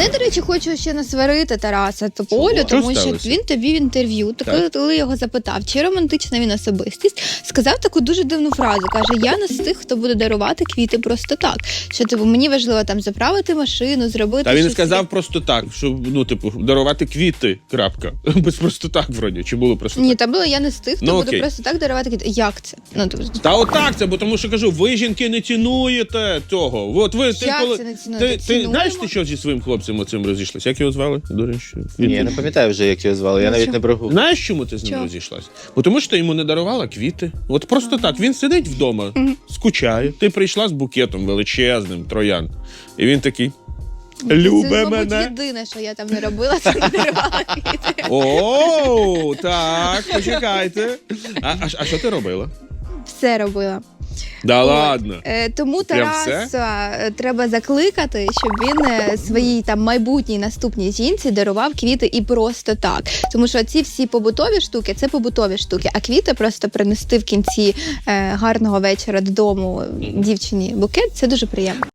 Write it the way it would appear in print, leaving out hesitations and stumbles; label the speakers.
Speaker 1: Я, до речі, хочу ще насварити Тараса Тополю, тому що він тобі в інтерв'ю, коли його запитав, чи романтична він особистість, сказав таку дуже дивну фразу. Каже, я не з тих, хто буде дарувати квіти просто так. Що, типу, мені важливо там заправити машину, зробити...
Speaker 2: Та він не сказав просто так, що, ну, типу, дарувати квіти, крапка. Без просто так, вроді, чи було просто так?
Speaker 1: Ні, там було, я не з тих, хто буде просто так дарувати квіти. Як це? Ну, тобто...
Speaker 2: Та отак це, бо тому що, кажу, ви, жінки, не цінуєте цього. От ви,
Speaker 1: Як це не цінуєте?
Speaker 2: Ти знаєш, ти що зі своїм хлопцем оцим розійшлась? Як його звали? До речі.
Speaker 3: Ні, я не пам'ятаю вже, як його звали, я навіть не прогув.
Speaker 2: Знаєш, чому ти з ним розійшлась? Бо тому що ти йому не дарувала квіти. От просто так, він сидить вдома, скучає. Ти прийшла з букетом величезним, троянд. І він такий, любе мене.
Speaker 1: Це, мабуть, єдине, що я там не робила, це не дарувала квіти.
Speaker 2: О, так, почекайте. А що ти робила?
Speaker 1: Все робила.
Speaker 2: Да ладно.
Speaker 1: Тому Тараса треба закликати, щоб він своїй там майбутній наступній жінці дарував квіти і просто так. Тому що ці всі побутові штуки – це побутові штуки, а квіти просто принести в кінці гарного вечора додому дівчині букет – це дуже приємно.